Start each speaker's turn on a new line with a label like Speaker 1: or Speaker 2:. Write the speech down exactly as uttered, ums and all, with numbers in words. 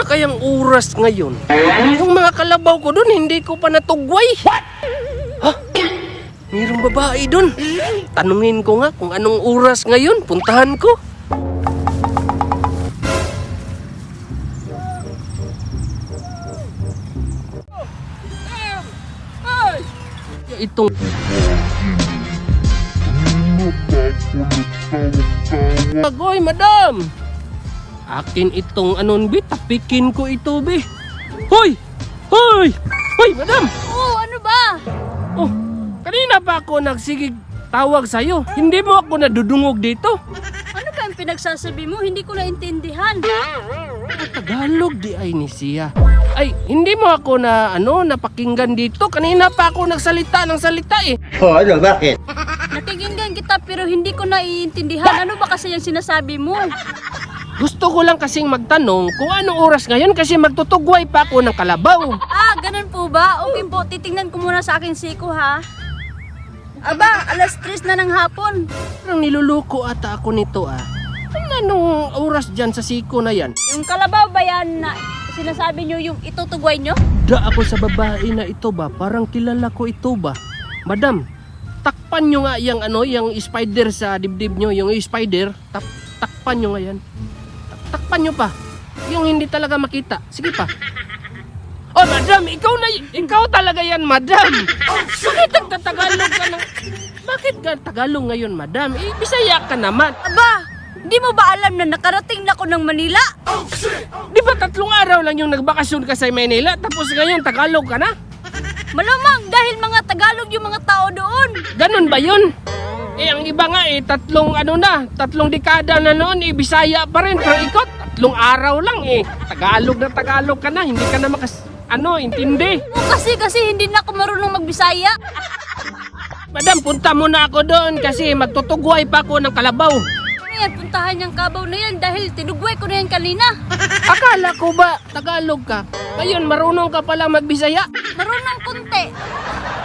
Speaker 1: kayang oras ngayon? Yung mga kalabaw ko dun, hindi ko pa natugway. Ha? Mayroong babae dun. Tanungin ko nga kung anong oras ngayon. Puntahan ko. Itong... Agoy, madam! Akin itong anon, bi. Tapikin ko ito, bi. Hoy! Hoy! Hoy, madam!
Speaker 2: Oo, ano ba?
Speaker 1: Oh, kanina pa ako nagsigig tawag sa'yo. Hindi mo ako nadudungog dito.
Speaker 2: Ano ba ang pinagsasabi mo? Hindi ko naintindihan.
Speaker 1: Tagalog di ay ni siya. Ay, hindi mo ako na ano napakinggan dito. Kanina pa ako nagsalita ng salita eh.
Speaker 3: Oh, ano, bakit?
Speaker 2: Nakikinggan kita pero hindi ko naiintindihan. Ano ba kasi yung sinasabi mo?
Speaker 1: Gusto ko lang kasing magtanong kung anong oras ngayon kasi magtutugway pa ako ng kalabaw.
Speaker 2: Ah, ganun po ba? Okay po, titingnan ko muna sa akin siko ha. Aba, alas tres na ng hapon.
Speaker 1: Parang niluluko ata ako nito ah. Ano anong oras dyan sa siko na yan?
Speaker 2: Yung kalabaw ba yan na sinasabi nyo yung itutugway nyo?
Speaker 1: Da ako sa babae na ito ba? Parang kilala ko ito ba? Madam, takpan nyo nga yung ano, yung spider sa dibdib nyo, yung spider, tak takpan nyo nga yan. Tak takpan nyo pa. Yung hindi talaga makita. Sige pa. Oh, madam, ikaw na, ikaw talaga yan, madam. Bakit nagtatagalog ka ng... Bakit ka Tagalog ngayon, madam? Eh, Bisaya ka naman.
Speaker 2: Aba, di mo ba alam na nakarating na ako ng Manila?
Speaker 1: Di ba tatlong araw lang yung nagbakasyon ka sa Manila, tapos ngayon Tagalog ka na?
Speaker 2: Malamang dahil mga Tagalog yung mga tao doon.
Speaker 1: Ganun ba yun? Eh, ang iba nga eh, tatlong ano na, tatlong dekada na noon, eh, Bisaya pa rin. Pero ikaw, tatlong araw lang eh. Tagalog na Tagalog ka na, hindi ka na makas... Ano, intindi.
Speaker 2: O kasi kasi hindi na ako marunong magbisaya.
Speaker 1: Madam, punta muna ako doon kasi magtutugway pa ako ng kalabaw.
Speaker 2: Ano yan, puntahan yung kabaw na yan dahil tinugway ko na yan kanina.
Speaker 1: Akala ko ba Tagalog ka? Ngayon, marunong ka pala magbisaya?
Speaker 2: Marunong konti.